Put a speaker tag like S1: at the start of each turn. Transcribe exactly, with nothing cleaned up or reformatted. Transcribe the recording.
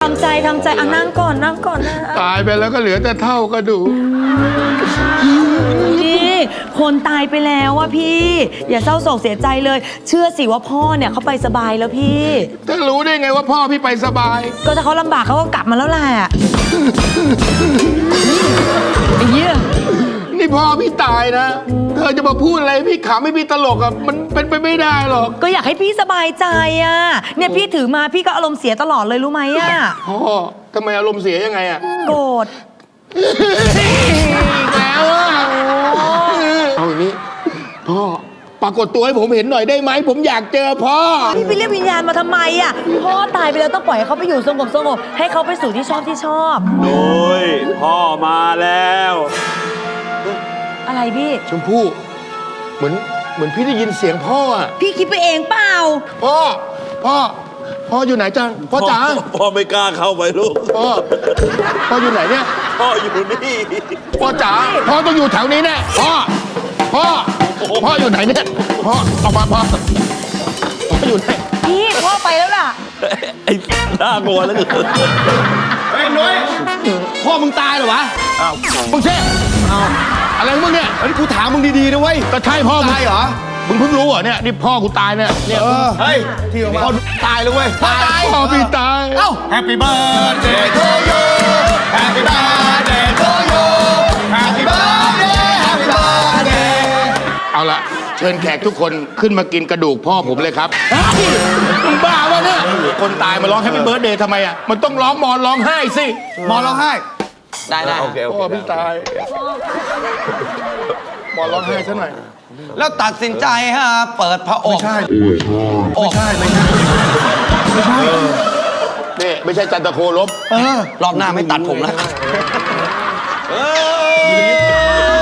S1: ำใจทำใจอ่ะนั่งก่อนนั่งก่อนนะ
S2: ตายไปแล้วก็เหลือแต่เท่ากระดูก
S1: พี่คนตายไปแล้วอะพี่ อย่าเศร้าโศกเสียใจเลย เชื่อสิว่าพ่อเนี่ยเขาไปสบายแล้วพี่
S2: จะรู้ได้ไงว่าพ่อพี่ไปสบาย
S1: ก็ถ้าเขาลำบากเขาก็กลับมาแล้วแหละไอ้เหี้ย
S2: นี่พ่อพี่ตายนะเธอจะมาพูดอะไรพี่ขำไม่พี่ตลกอะมันเป็นไปไม่ได้หรอก
S1: ก็อยากให้พี่สบายใจอะเนี่ยพี่ถือมาพี่ก็อารมณ์เสียตลอดเลยรู้ไหมอะ
S2: พ่อทำไมอารมณ์เสียยังไงอะ
S1: โกรธ
S2: แล้วอะเอาอย่างนี้พ่อปรากฏตัวให้ผมเห็นหน่อยได้ไหมผมอยากเจอพ่อ
S1: พี่ไปเรียกวิญญาณมาทำไมอะพ่อตายไปแล้วต้องปล่อยให้เขาไปอยู่สงบสงบให้เขาไปสู่ที่ชอบที่ชอบ
S3: โดยพ่อมาแล้ว
S1: อะไรพี่
S2: ชมพู่เหมือนเหมือนพี่ได้ยินเสียงพ่ออ่ะ
S1: พี่คิดไปเองเปล่า
S2: พ่อพ่อพ่ออยู่ไหนจังพ่อจ๋า
S3: พ่อไม่กล้าเข้าไปลูก
S2: พ่อพ่ออยู่ไหนเนี่ย
S3: พ่ออยู่นี่
S2: พ่อจ๋าพ่อต้องอยู่แถวนี้แน่พ่อพ่อพ่ออยู่ไหนเนี่ยพ่อออกมาพ่อพ่ออยู่ไหน
S1: พี่พ่อไปแล้วล่ะ
S3: ไอ้หน้างัวแล้ว
S2: เฮ้ยนุ้ยพ่อมึงตายเหรอวะอ้าวมึงเช่อ้าวอะไรมึงเนี่ย
S4: อันนี้กูถามมึงดีๆนะเว้ย
S2: ก็ใช่พ่อมึง
S4: ตายเหรอ
S2: มึงเพิ่งรู้เหรอเนี่ยนี่พ่อกูตายเนี่ยเนี่ย
S4: เฮ้ยที่พ่อตายเลยเว้ย
S2: ตายพ่อพี่ตาย
S4: เอ้า Happy birthday to you Happy birthday to you Happy birthday Happy birthday
S2: เอาละเชิญแขกทุกคนขึ้นมากินกระดูกพ่อผมเลยครับมึงบ้าวะเนี่ยคนตายมาร้องแฮปปี้เบิร์ธเดย์ทำไมอ่ะมันต้องร้องมอนร้องไห้สิ
S4: มอนร้องไห้
S1: ได้ได้
S4: โอเค
S2: พ่อพี่ตายมอนร้องไห้ซะหน่อย
S4: แล้วตัดสินใจฮะเปิดพระอกไม่ใช่ไม่ใช่ไม่ใช่ไม่ใช่
S2: นี่ไม่ใช่จันทโคลบ
S4: รอบหน้าไม่ตัดผมแล้ว